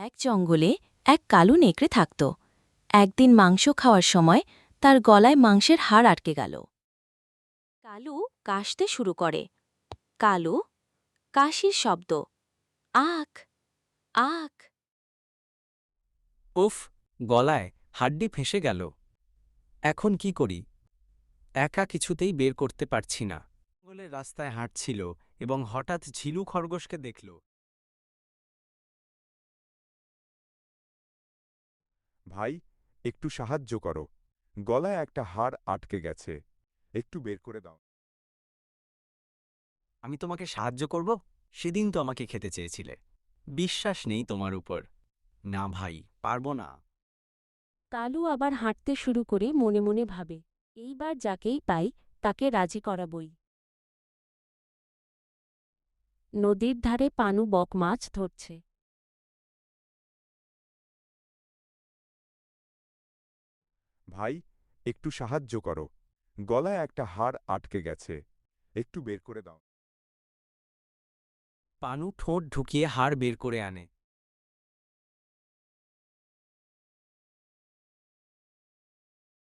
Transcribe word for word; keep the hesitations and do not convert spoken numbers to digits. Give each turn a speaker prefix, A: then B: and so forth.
A: এক জঙ্গলে এক কালো নেকড়ে থাকত। একদিন মাংস খাওয়ার সময় তার গলায় মাংসের হাড় আটকে গেল। কালু কাশতে শুরু করে। কালু কাশির শব্দ, আখ আখ।
B: উফ, গলায় হাড্ডি ফেঁসে গেল। এখন কি করি? একা কিছুতেই বের করতে পারছি না। জঙ্গলের রাস্তায় হাঁটছিল এবং হঠাৎ ঝিলু খরগোশকে দেখল।
C: ভাই, একটু সাহায্য করো। গলায় একটা হাড় আটকে গেছে, একটু বের করে দাও।
B: আমি তোমাকে সাহায্য করব? সেদিন তো আমাকে খেতে চেয়েছিলে। বিশ্বাস নেই তোমার উপর। না ভাই, পারবো না।
D: কালু আবার হাঁটতে শুরু করে মনে মনে ভাবে, এইবার যাকেই পাই তাকে রাজি করাবই। নদীর ধারে পানু বক মাছ ধরছে।
C: ভাই, একটু সাহায্য করো। গলায় একটা হাড় আটকে গেছে, একটু বের করে দাও।
B: পানু ঠোঁট ঢুকিয়ে হাড় বের করে আনে।